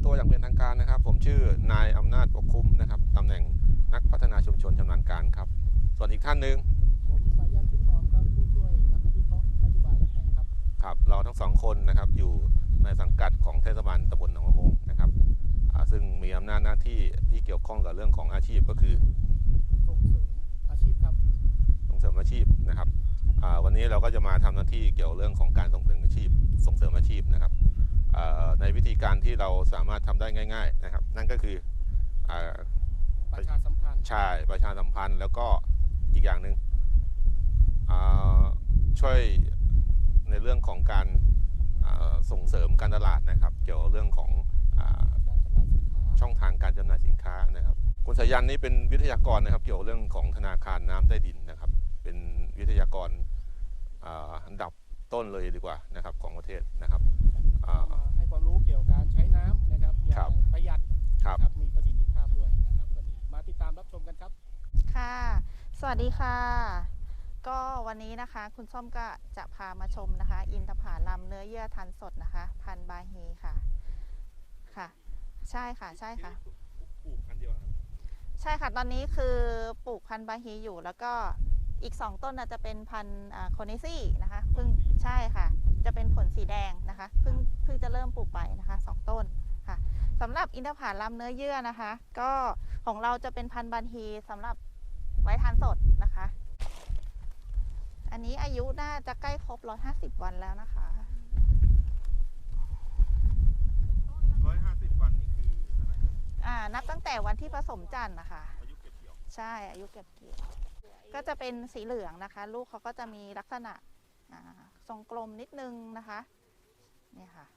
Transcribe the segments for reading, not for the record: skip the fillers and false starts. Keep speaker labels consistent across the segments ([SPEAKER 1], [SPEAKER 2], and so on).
[SPEAKER 1] ตัวอย่างเป็นทางการนะครับผมชื่อนายอำนาจปกคุ้มนะครับตำแหน่งนักพัฒนาชุมชนชำนาญการครับส่วนอีกท่านหนึ่ง
[SPEAKER 2] ผมสายันชิ้นหอมครับผู้ช่วยนักวิเคราะห์นโยบายและแผนครับ
[SPEAKER 1] ครับเราทั้งสองคนนะครับอยู่ในสังกัดของเทศบาลตำบลหนองมะโมงนะครับซึ่งมีอำนาจหน้าที่ที่เกี่ยวข้องกับเรื่องของอาชีพก็คือ
[SPEAKER 2] ส่งเสริมอาชีพครับ
[SPEAKER 1] ส่งเสริมอาชีพนะครับวันนี้เราก็จะมาทำหน้าที่เกี่ยวเรื่องของการส่งเสริมอาชีพนะครับในวิธีการที่เราสามารถทำได้ง่ายๆนะครับนั่นก็คือ
[SPEAKER 2] ประชาสัมพันธ์
[SPEAKER 1] ใช่ประชาสัมพันธ์แล้วก็อีกอย่างหนึ่งช่วยในเรื่องของการส่งเสริมการตลาดนะครับเกี่ยวกับเรื่องของช่องทางการจำหน่ายสินค้านะครับคุณสายันนี่เป็นวิทยากรนะครับเกี่ยวกับเรื่องของธนาคารน้ำใต้ดินนะครับเป็นวิทยากรอันดับต้นเลยดีกว่านะครับของประเทศนะครับ
[SPEAKER 2] ให้ความรู้เกี่ยวกับการใช้น้ำนะครับอย่างประหยัดครับมีประสิทธิภาพด้วยนะครับวันนี้มาติดตามรับชมกันครับ
[SPEAKER 3] ค่ะสวัสดีค่ะก็วันนี้นะคะคุณส้มก็จะพามาชมนะคะอินทผลัมเนื้อเยื่อทันสดนะคะพันธุ์บาฮีค่ะใช่ค่ะ
[SPEAKER 1] ปลูกพันธุ์เดียวครับ
[SPEAKER 3] ใช่ค่ะตอนนี้คือปลูกพันธุ์บาฮีอยู่แล้วก็อีก2ต้นจะเป็นพันธุ์โคเนซี่นะคะเพิ่งใช่ค่ะจะเป็นผลสีแดงนะคะเพิ่งจะเริ่มปลูกไปนะคะ2ต้นค่ะสำหรับอินทผลัมเนื้อเยื่อนะคะก็ของเราจะเป็นพันธุ์บาฮีสำหรับไว้ทานสดนะคะอันนี้อายุน่าจะใกล้ครบ150วันแล้วนะคะ
[SPEAKER 1] 150วันนี่คืออะไร
[SPEAKER 3] นับตั้งแต่วันที่ผสมจันทร์นะคะ
[SPEAKER 1] อายุเก็บเกี่ยว
[SPEAKER 3] ใช่อายุเก็บเกี่ยวก็จะเป็นสีเหลืองนะคะลูกเขาก็จะมีลักษณะทรงกลมนิดนึงนะคะเนี่ยค่ะ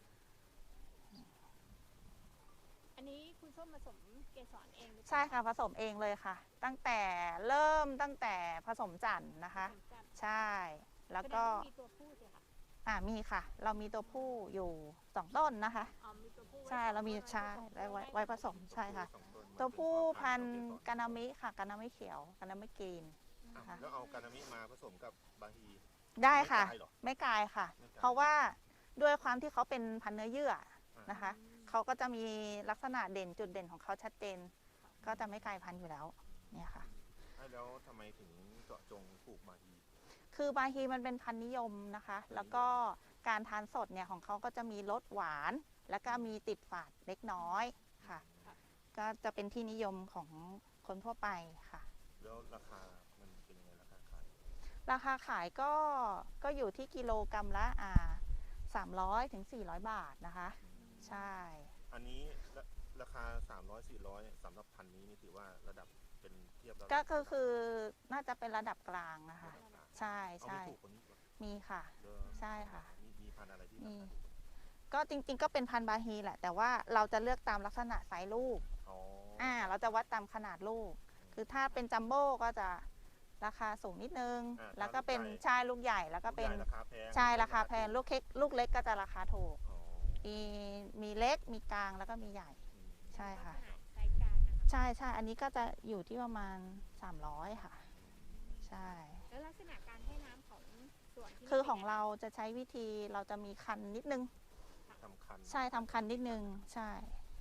[SPEAKER 4] อันนี้คุณส้มผสมเกสรเอง
[SPEAKER 3] ใช่ค่ะผสมเองเลยค่ะตั้งแต่ผสมจันทร์นะคะใช่แล้วก็
[SPEAKER 4] มีตัวผู้สิคะ
[SPEAKER 3] มีค่ะเรามีตัวผู้อยู่2ต้นนะคะใช่เรามีใช่ไว้ผสมใช่ค่ะตัวผู้พันธุ์กานามิค่ะกานามิเขียวกานามิกรีน
[SPEAKER 1] แล้วเอากานามิมาผสมกับบาฮี
[SPEAKER 3] ได้ค่ะไม่กลายค่ะเพราะว่าด้วยความที่เขาเป็นพันธุ์เนื้อเยื่อนะคะเขาก็จะมีลักษณะเด่นจุดเด่นของเขาชัดเจนก็จะไม่กลายพันธุ์อยู่แล้วเนี่ยค่ะ
[SPEAKER 1] แล้วทำไมถึงเจาะจงปลูกบาฮี
[SPEAKER 3] คือบาฮีมันเป็นพันธุ์นิยมนะคะแล้วก็การทานสดเนี่ยของเขาก็จะมีรสหวานแล้วก็มีติดฝาดเล็กน้อยค่ะก็จะเป็นที่นิยมของคนทั่วไปค่ะ
[SPEAKER 1] แล้วราคามันเป็นยังไง
[SPEAKER 3] ราคาขายก็อยู่ที่กิโลกรัมละ300 ถึง 400 บาทนะคะใช่
[SPEAKER 1] อันนี้ราคา300-400สำหรับพันธุ์นี้นี่ถือว่าระดับเป็นเทียบแล้ว
[SPEAKER 3] ก็คือน่าจะเป็นระดับกลางนะคะใช่มีค่ะใช่ค่ะ
[SPEAKER 1] มีพันธุ์อะไรที่
[SPEAKER 3] มีก็จริงๆก็เป็นพันธุ์บาฮีแหละแต่ว่าเราจะเลือกตามลักษณะไซส์ลูกเราจะวัดตามขนาดลูกคือถ้าเป็นจัมโบ้ก็จะราคาสูงนิดนึงแล้วก็เป็นชายลูกใหญ่แล้วก็เป็นชายราคาแพงลูกเล็กก็จะราคาถูกมีเล็กมีกลางแล้วก็มีใหญ่ใช่ค่ะใช่อันนี้ก็จะอยู่ที่ประมาณ300ค่ะใช่
[SPEAKER 4] แล้วลักษณะการให้น้ำของส่วนที่
[SPEAKER 3] คือของเราจะใช้วิธีเราจะมีคันนิดนึงใช่ทำคันนิดนึงใช่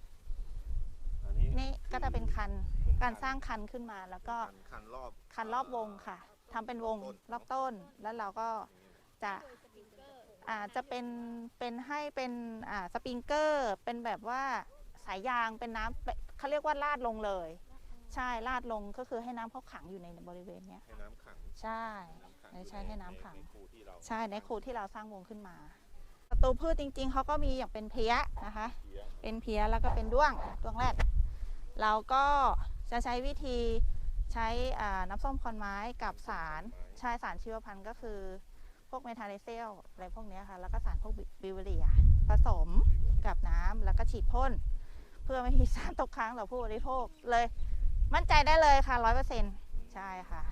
[SPEAKER 3] นี่ก็จะเป็นคันการสร้างคันขึ้นมาแล้วก็คันรอบวงค่ะทำเป็นวงรอบต้นแล้วเราก็จะเป็นให้เป็นสปริงเกอร์เป็นแบบว่าสายยางเป็นน้ำเขาเรียกว่าลาดลงเลยใช่ลาดลงก็คือให้น้ำเขาขังอยู่ในบริเวณนี้
[SPEAKER 1] ให้น้ำขัง
[SPEAKER 3] ใช่ให้น้ำขังใช่ในคูที่เราสร้างวงขึ้นมาศัตรูพืชจริงๆเขาก็มีอย่างเป็นเพี้ยนะคะเป็นเพี้ยแล้วก็เป็นด้วงแรกเราก็จะใช้วิธีใช้น้ำส้มคอนไม้กับสารชีวพันธุ์ก็คือพวกเมทาเลเซลอะไรพวกนี้ค่ะแล้วก็สารพวกบิวเรียผสมกับน้ำแล้วก็ฉีดพ่นเพื่อไม่ให้สารตกค้างต่อผู้บริโภคเลยมั่นใจได้เลยค่ะ100%ใช่ค่ะ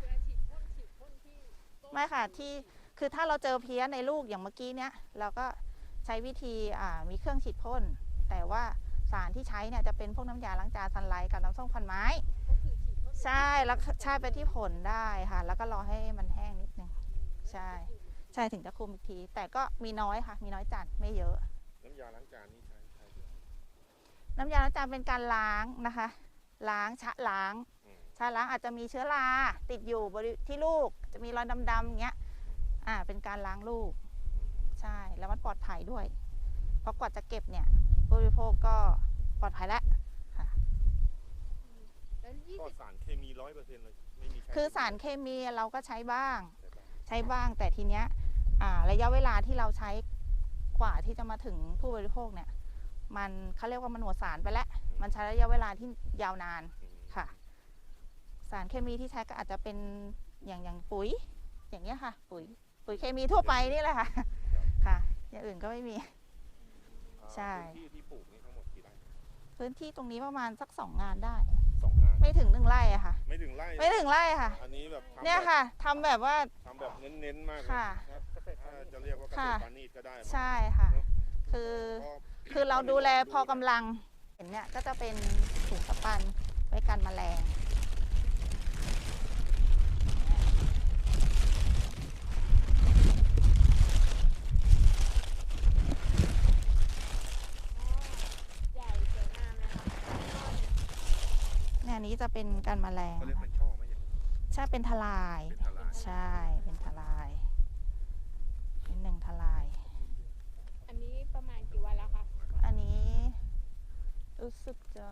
[SPEAKER 3] ไม่ค่ะที่คือถ้าเราเจอเพี้ยในลูกอย่างเมื่อกี้เนี้ยเราก็ใช้วิธีมีเครื่องฉีดพ่นแต่ว่าสารที่ใช้เนี่ยจะเป็นพวกน้ำยาล้างจานซันไลท์กับน้ำส้มควันไม้ใช่แล้วใช้ไปที่ผลได้ค่ะแล้วก็รอให้มันแห้งนิดนึงใช่ถึงจะคุมอีกทีแต่ก็มีน้อยค่ะมีน้อยจัดไม่เยอะ
[SPEAKER 1] น้ำยาล้างจานนี่ใช้
[SPEAKER 3] น้ำยาล้างจานเป็นการล้างนะคะ ล้างชะล้าง ชะล้างอาจจะมีเชื้อราติดอยู่ที่ลูกจะมีรอยดำๆอย่างเงี้ยเป็นการล้างลูกใช่แล้วมันปลอดภัยด้วย เพราะกว่าจะเก็บเนี่ยผู้บริโภคก็ปลอดภัยแล้วค่ะ
[SPEAKER 4] แล้ว
[SPEAKER 1] ก็สารเคมี 100%เลยไม่มีใช้
[SPEAKER 3] คือสารเคมีเราก็ใช้บ้างแต่ทีเนี้ยระยะเวลาที่เราใช้กว่าที่จะมาถึงผู้บริโภคเนี่ยมันเขาเรียกว่ามันหมดสารไปแล้วมันใช้ระยะเวลาที่ยาวนานค่ะ สารเคมีที่ใช้ก็อาจจะเป็นอย่างปุ๋ยอย่างเงี้ยค่ะปุ๋ยเคมีทั่วไปนี่แหละค่ะค่ะอย่างอื่นก็ไม่มี ใช่
[SPEAKER 1] พื้นที่ที่ปลูกนี่ทั้งหมดกี่ไร่
[SPEAKER 3] พื้นที่ตรงนี้ประมาณสัก2 งานได้
[SPEAKER 1] 2 งาน
[SPEAKER 3] ไม่ถึง1 ไร่อะค่ะ
[SPEAKER 1] ไม่ถึงไร่
[SPEAKER 3] ไม่ถึงไร่ค่ะ
[SPEAKER 1] อันนี้แบบทำ
[SPEAKER 3] เนี่ยค่ะทำแบบว่า
[SPEAKER 1] ทำแบบเน้นๆมากเลย
[SPEAKER 3] ค่ะ
[SPEAKER 1] ถ้าจะเรียกว่าเกษตรปานีตก็ได้
[SPEAKER 3] ใช่ค่ะ
[SPEAKER 1] เนอะ
[SPEAKER 3] คือ
[SPEAKER 1] ก็
[SPEAKER 3] คือเราดูแลพอกำลังเห็นเนี่ยก็จะเป็นถุงสปันไว้กันแมลง
[SPEAKER 4] ใหญ่สวยงามเลยค่ะ
[SPEAKER 3] เนี่ยอันนี้จะเป็นกันแมลง
[SPEAKER 1] เขาเรียกเป็นช่อไหมอย่างนี้
[SPEAKER 3] ใช่เป็นทลาย
[SPEAKER 1] เป็นทลาย
[SPEAKER 3] ใช่เป็นทลายเป็น1 ทลาย
[SPEAKER 4] อันนี้ประมาณกี่วันแล้วคะ
[SPEAKER 3] อันนี้รู้สึกจะ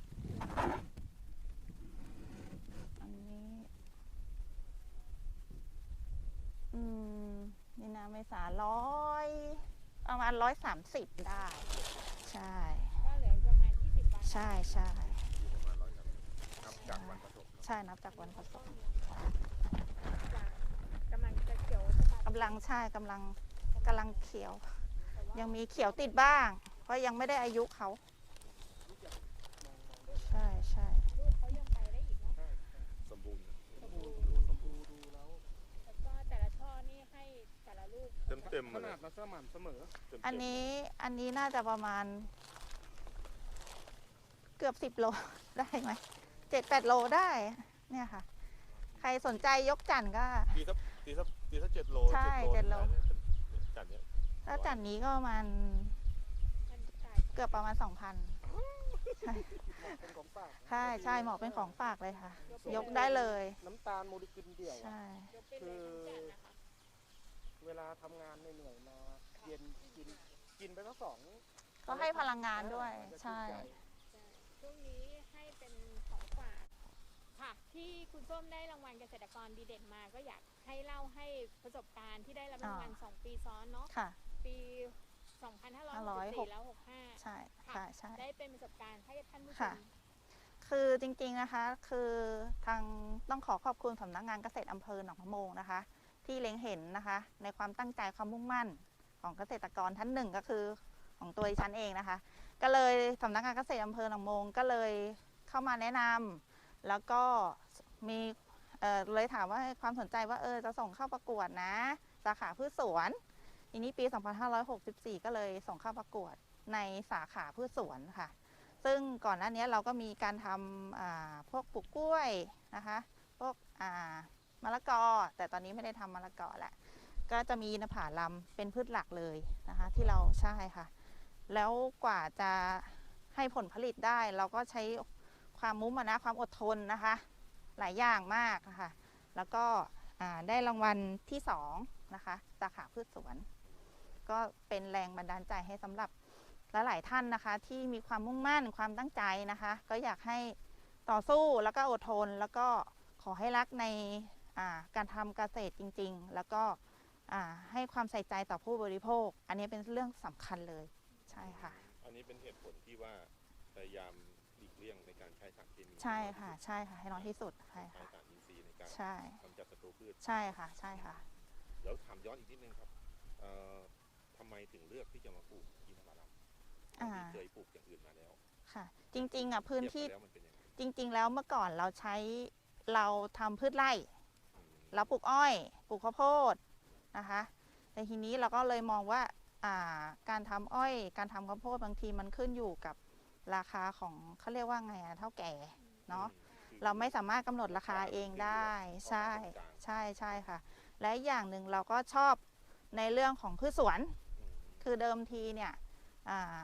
[SPEAKER 3] อันนี้นี่นะเมษาประมาณ130ได้ใช่
[SPEAKER 4] ก็เหลือประมาณ20 วัน
[SPEAKER 3] ใช่
[SPEAKER 1] อยู่ประมาณ100 นับจากวันผสม
[SPEAKER 3] ใช่นับจากวันผสม
[SPEAKER 4] กำลังจะเขียวสะบัด
[SPEAKER 3] กำลังเขียว ยังมีเขียวติดบ้าง เพราะยังไม่ได้อายุเขาใช่
[SPEAKER 4] ลูกเขายังไปได้อีกเนาะ
[SPEAKER 1] สมบูรณ์
[SPEAKER 2] ดูแล้ว
[SPEAKER 4] แล้วก็แต่ละช่อนี่ให้แต่ละลูก
[SPEAKER 1] เต็ม
[SPEAKER 2] ข
[SPEAKER 1] ๆเล
[SPEAKER 2] นาย ดและสม่ำเสมอ
[SPEAKER 3] อันนี้น่าจะประมาณเกือบ10 โล ได้ไหม7-8 โลได้เนี่ยค่ะ ใครสนใจยกจันก็
[SPEAKER 1] ตีสัก7 โล
[SPEAKER 3] ใช่
[SPEAKER 1] 7
[SPEAKER 3] 7 โล
[SPEAKER 1] จัดเนี้ย
[SPEAKER 3] ถ้าจันนี้ก็ประมาณ
[SPEAKER 4] มันตาย
[SPEAKER 3] เกือบประมาณ 2,000 ใช่
[SPEAKER 2] เป็นของฝาก
[SPEAKER 3] ใช่เหมาะเป็นของฝากเลยค่ะ ยกได้เลย
[SPEAKER 2] น้ำตาลโมเลกุลเดี่ยว
[SPEAKER 3] ใช่
[SPEAKER 4] ยกไปเลยทั้งจันนะคะ
[SPEAKER 2] เวลาทำงานเหนื่อยๆมาเย็นกินไปทั้ง2
[SPEAKER 3] ก็ให้พลังงานด้วยใช่
[SPEAKER 4] ช่วงนี้ให้เป็นของฝากค่ะ ที่คุณส้มได้รางวัลเกษตรกรดีเด่นมา ก็อยากให้เล่าให้ประสบการณ์ที่ได้รับรางวัล2 ปีซ้อนเนาะ
[SPEAKER 3] ค่ะ
[SPEAKER 4] ปี 2564 แล้ว 65
[SPEAKER 3] ใช่ค่ะใช่
[SPEAKER 4] ได้เป็นประสบการณ์ให้ท่านผู้ช
[SPEAKER 3] ค่ะ
[SPEAKER 4] ม
[SPEAKER 3] คือจริงๆนะคะคือทางต้องขอบคุณสำนักงานเกษตรอำเภอหนองมะโมงนะคะ ที่เล็งเห็นนะคะในความตั้งใจความมุ่งมั่นของเกษตรกรท่านหนึ่งก็คือของตัวดิฉันเองนะคะ ก็เลยสำนักงานเกษตรอำเภอหนองมะโมงก็เลยเข้ามาแนะนำแล้วก็มีเลยถามว่าความสนใจว่าจะส่งเข้าประกวดนะสาขาพืชสวนทีนี้ปี 2564 ก็เลยส่งเข้าประกวดในสาขาพืชสวนค่ะ ซึ่งก่อนหน้านี้เราก็มีการทำพวกปลูกกล้วยนะคะพวกมะละกอแต่ตอนนี้ไม่ได้ทำมะละกอแหละก็จะมีอินทผลัมเป็นพืชหลักเลยนะคะที่เราใช่ค่ะแล้วกว่าจะให้ผลผลิตได้เราก็ใช้ความมุ่งมั่นความอดทนนะคะหลายอย่างมากนะคะแล้วก็ได้รางวัลที่2นะคะสาขาพืชสวนก็เป็นแรงบันดาลใจให้สำหรับหลายท่านนะคะที่มีความมุ่งมั่นความตั้งใจนะคะก็อยากให้ต่อสู้แล้วก็อดทนแล้วก็ขอให้รักในการทำเกษตรจริงๆแล้วก็ให้ความใส่ใจต่อผู้บริโภคอันนี้เป็นเรื่องสำคัญเลยใช่ค่ะ
[SPEAKER 1] อันนี้เป็นเหตุผลที่ว่าพยายามหลีกเลี่ยงในการใช้สารเคมี
[SPEAKER 3] ใช่ค่ะใช่ค่ะให้น้อยที่สุดใช่
[SPEAKER 1] ใช้
[SPEAKER 3] ค่ะ
[SPEAKER 1] สารอินทรีย์ในการ
[SPEAKER 3] ใช่
[SPEAKER 1] กำจัดศัตรูพืช
[SPEAKER 3] ใช่ค่ะใช่ค่ะ
[SPEAKER 1] แล้วถามย้อนอีกนิดนึงครับทำไมถึงเลือกที่จะมาปลูกอินทผลัมที่เคยปลูกอย่างอื่นมาแล้ว
[SPEAKER 3] ค่ะ จริงๆพื้นที่
[SPEAKER 1] เทียบกันแล้วมันเป็นยังไง
[SPEAKER 3] จริงๆแล้วเมื่อก่อนเราทำพืชไร่เราปลูกอ้อยปลูกข้าวโพดนะคะแต่ทีนี้เราก็เลยมองว่าการทำอ้อยการทำข้าวโพดบางทีมันขึ้นอยู่กับราคาของเขาเรียกว่าไงเท่าแก่เนาะเราไม่สามารถกำหนดราคาเองได้ใช่ค่ะและอย่างหนึ่งเราก็ชอบในเรื่องของพืชสวนคือเดิมทีเนี่ยพ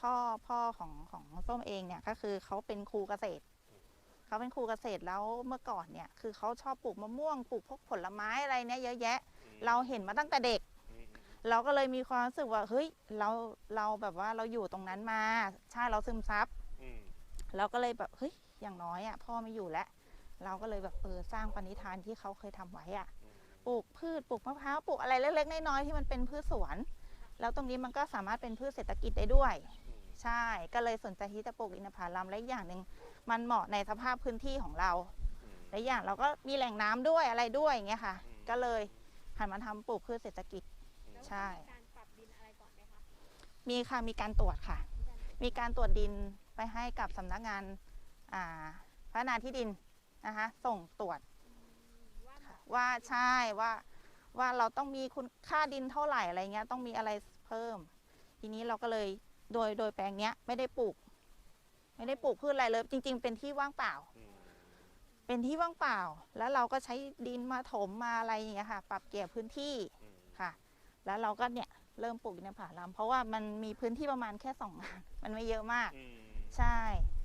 [SPEAKER 3] พ่อของส้มเองเนี่ยก็คือเขาเป็นครูเกษตรเขาเป็นครูเกษตรแล้วเมื่อก่อนเนี่ยคือเขาชอบปลูกมะม่วงปลูกพวกผลไม้อะไรเนี่ยเยอะแยะเราเห็นมาตั้งแต่เด็กเราก็เลยมีความรู้สึกว่าเฮ้ยเราแบบว่าเราอยู่ตรงนั้นมาใช่เราซึมซับเราก็เลยแบบเฮ้ยอย่างน้อยอ่ะพ่อไม่อยู่แล้วเราก็เลยแบบสร้างปณิธานที่เขาเคยทำไว้อ่ะปลูกพืชปลูกมะพร้าวปลูกอะไรเล็กๆน้อยๆที่มันเป็นพืชสวนแล้วตรงนี้มันก็สามารถเป็นพืชเศรษฐกิจได้ด้วยใช่ก็เลยสนใจที่จะปลูกอินทผลัมและอีกอย่างหนึ่งมันเหมาะในสภาพพื้นที่ของเราและอย่างเราก็มีแหล่งน้ำด้วยอะไรด้วยอย่างเงี้ยค่ะก็เลยหันมาทำปลูกพืชเศรษฐกิจใช่การปรับดินอะไรก่อนไหมคะมีค่ะมีการตรวจค่ะมีการตรวจดินไปให้กับสำนักงานพัฒนาที่ดินนะคะส่งตรวจว่าใช่ว่าเราต้องมีคุณค่าดินเท่าไหร่อะไรเงี้ยต้องมีอะไรเพิ่มทีนี้เราก็เลยโดยแปลงเนี้ยไม่ได้ปลูกพืชอะไรเลยจริงๆเป็นที่ว่างเปล่าเป็นที่ว่างเปล่าแล้วเราก็ใช้ดินมาถมมาอะไรอย่างเงี้ยค่ะปรับเกี่ยวพื้นที่ค่ะแล้วเราก็เนี่ยเริ่มปลูกอินทผลัมเพราะว่ามันมีพื้นที่ประมาณแค่2 งานมันไม่เยอะมากใช่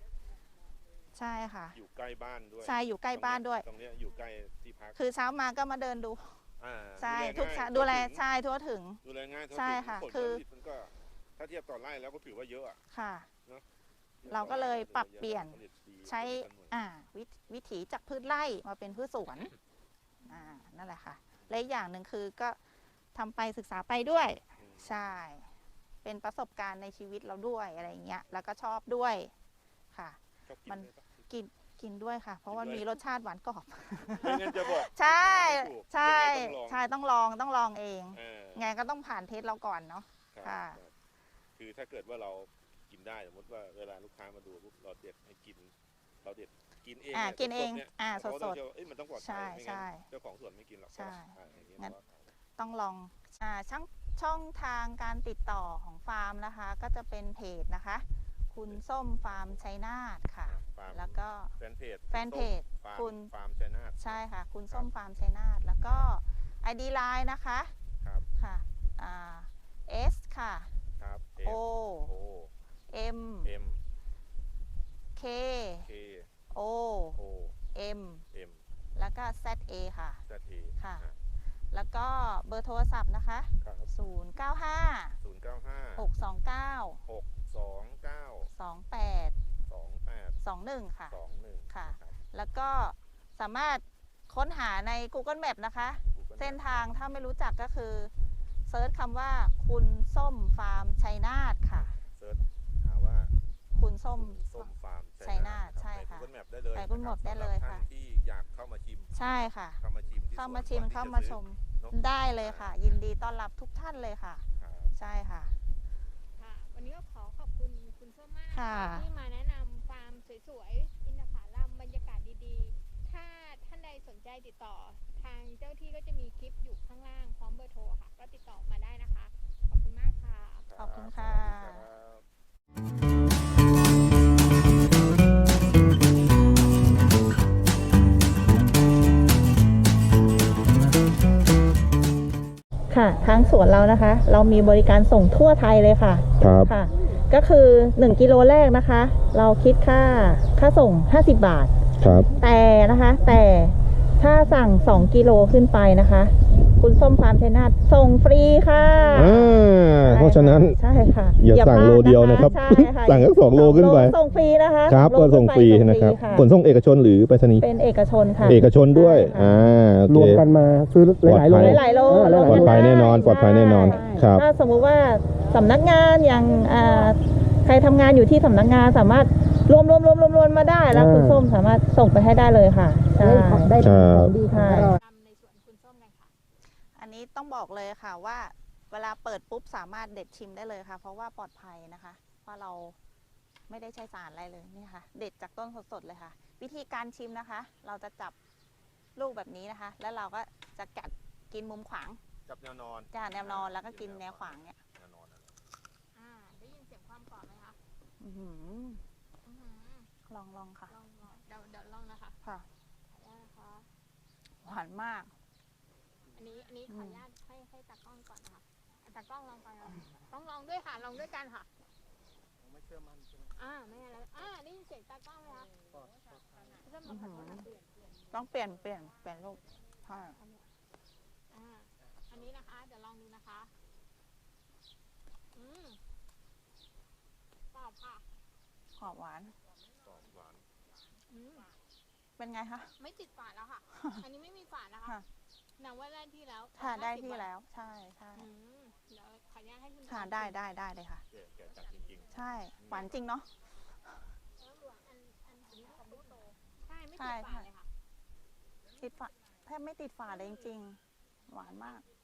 [SPEAKER 3] ค่ะ
[SPEAKER 1] อยู่ใกล้บ้านด้วย
[SPEAKER 3] ใช่อยู่ใกล้บ้านด้วย
[SPEAKER 1] ตรงนี้อยู่ใกล้ที่พัก
[SPEAKER 3] คือเช้ามาก็มาเดินดูใช่ทุกเช้าดูแลใช่ทั่วถึง
[SPEAKER 1] ดูแลง่าย
[SPEAKER 3] ใช่ค่ะคือ
[SPEAKER 1] มันก็ถ้าเทียบต่อไร่แล้วก็ถือว่าเยอะ
[SPEAKER 3] ค่ะเราก็เลยปรับเปลี่ยนใช้วิถีจากพืชไร่มาเป็นพืชสวนนั่นแหละค่ะและอีกอย่างหนึ่งคือก็ทำไปศึกษาไปด้วยใช่เป็นประสบการณ์ในชีวิตเราด้วยอะไรเงี้ยแล้วก็ชอบด้วยค่ะมันกินด้วยค่ะเพราะว่ามีรสชาติหวานกรอบใช่ต้องลองเองไงก็ต้องผ่านเทสเราก่อนเนาะค่ะ
[SPEAKER 1] คือถ้าเกิดว่าเรากินได้สมมติว่าเวลาลูกค้ามาดูเราเด็ดให้กินเราเด็ดกินเอง
[SPEAKER 3] สด
[SPEAKER 1] มันต้องปลอดภัยไม่งั้นเจ้าของสวนไม่กินหรอก
[SPEAKER 3] ใช่งั้นต้องลองช่องทางการติดต่อของฟาร์มนะคะก็จะเป็นเพจนะคะคุณส้มฟาร์มชัยนาทค่ะแล้วก็
[SPEAKER 1] แฟนเพจ
[SPEAKER 3] คุณ
[SPEAKER 1] ฟาร์มชัยนาท
[SPEAKER 3] ใช่ค่ะคุณส้มฟาร์มชัยนาทแล้วก็ ID Line นะคะค่ะS ค่ะ O M K O M แล้วก็ ZA ค่ะแล้วก็เบอร์โทรศัพท์นะคะ095 629 2821ค่ะแล้วก็สามารถค้นหาใน Google Map นะคะเส้นทางถ้าไม่รู้จักก็คือเซิร์ชคำว่าคุณส้มฟาร์มชัยนาทค่ะ
[SPEAKER 1] เซิร์ชหาว่า
[SPEAKER 3] คุณส้ม
[SPEAKER 1] ฟาร์ม
[SPEAKER 3] ชัยนาทใช่ค่ะ
[SPEAKER 1] Google Map ได้เลย
[SPEAKER 3] ไป Google Map ได้เลยค่ะ
[SPEAKER 1] ที่อยากเข้ามาชิม
[SPEAKER 3] ใช่ค่ะเข้ามาชิมเข้ามาชมได้เลยค่ะยินดีต้อนรับทุกท่านเลยค่ะใช่ค่ะ
[SPEAKER 4] วันนี้ก็ขอบคุณคุณส้มมากที่มาแนะนำฟาร์มสวยๆอินทผลัมบรรยากาศดีๆถ้าท่านใดสนใจติดต่อทางเจ้าที่ก็จะมีคลิปอยู่ข้างล่างพร้อมเบอร์โทรค่ะก็ติดต่อมาได้นะคะขอบคุณมากค่ะ
[SPEAKER 3] ขอบคุณค่ะค่ะทางสวนเรานะคะเรามีบริการส่งทั่วไทยเลยค่ะค่ะก็คือ1 กิโลแรกนะคะเราคิดค่าส่ง50 บาท
[SPEAKER 5] ครับ
[SPEAKER 3] แต่ถ้าสั่ง2 กิโลขึ้นไปนะคะคุณส้มฟาร์มชัยนาทส่งฟรีค่ะ
[SPEAKER 5] เพราะฉะนั้น
[SPEAKER 3] ใช่ค่ะ
[SPEAKER 5] อย่าสั่งโลเดียวนะครับสั่งแค่2 โลขึ้นไป
[SPEAKER 3] ส่งฟรีนะคะ
[SPEAKER 5] ครับก็ส่งฟรีนะครับขนส่งเอกชนหรือไปรษณีย์
[SPEAKER 3] เป็นเอกชนค่ะ
[SPEAKER 5] เอกชนด้วย
[SPEAKER 2] รวมกันมาซื้อหลายโล
[SPEAKER 5] ปลอดภัยแน่นอนครับ
[SPEAKER 3] ถ้าสมมุติว่าสำนักงานอย่างใครทำงานอยู่ที่สำนักงานสามารถรวมมาได้แล้วคุณส้มสามารถส่งไปให้ได้เลยค่ะได้ของดีค่ะในส่วนคุณส้มกันค่ะอันนี้ต้องบอกเลยค่ะว่าเวลาเปิดปุ๊บสามารถเด็ดชิมได้เลยค่ะเพราะว่าปลอดภัยนะคะเพราะเราไม่ได้ใช้สารอะไรเลยนี่ค่ะเด็ดจากต้นสดๆเลยค่ะวิธีการชิมนะคะเราจะจับลูกแบบนี้นะคะแล้วเราก็จะกัดกินมุมขวาง
[SPEAKER 1] จับแนวนอน
[SPEAKER 3] แนวนอนแล้วก็กินแนวขวางเนี่ย
[SPEAKER 4] ได้ยินเสียงความกรอบไหมคะ
[SPEAKER 3] ลองค่ะ
[SPEAKER 4] เดี๋ยวลองนะคะ
[SPEAKER 3] ค่ะหวานมาก
[SPEAKER 4] อันนี้ขออนุญาตให้ตากล้องก่อนค่ะตากล้องลองก่อนต้องลองด้วยค่ะลองด้วยกันค่ะ
[SPEAKER 1] ไม่
[SPEAKER 2] เสื้อมันใช่ไหม
[SPEAKER 4] ไม่อะไรได้ยินเสียงตากล้องไหมคะ
[SPEAKER 2] ปอด
[SPEAKER 4] เริ่มมาผัดผัดเปลี่ยน
[SPEAKER 3] ต้องเปลี่ยนรูปใช่
[SPEAKER 4] อันนี้นะคะ เดี๋ยวลองดูนะคะกรอบค่ะ
[SPEAKER 3] หอมหวาน
[SPEAKER 1] กรอบหวาน
[SPEAKER 3] เป็นไงคะ
[SPEAKER 4] ไม่ติดฝาดแล้วค่ะ อันนี้ไม่มีฝาดนะคะ
[SPEAKER 3] ค่ะ
[SPEAKER 4] หนังว่าได้ที่แล้ว
[SPEAKER 3] ค่ะได้ที่แล้วใช่ใช่
[SPEAKER 4] เดี๋ยวขออนุญาตให้คุณ
[SPEAKER 3] ค่ะได้เลยค่ะ
[SPEAKER 1] แกะจัดจริง
[SPEAKER 3] ใช่หวานจริงเนาะ
[SPEAKER 4] อันนี้ของลูกโตใช่ไม่ติดฝาดเลยค่ะ
[SPEAKER 3] ติดฝาแทบไม่ติดฝาเลยจริงๆ หวานมาก
[SPEAKER 1] ๆ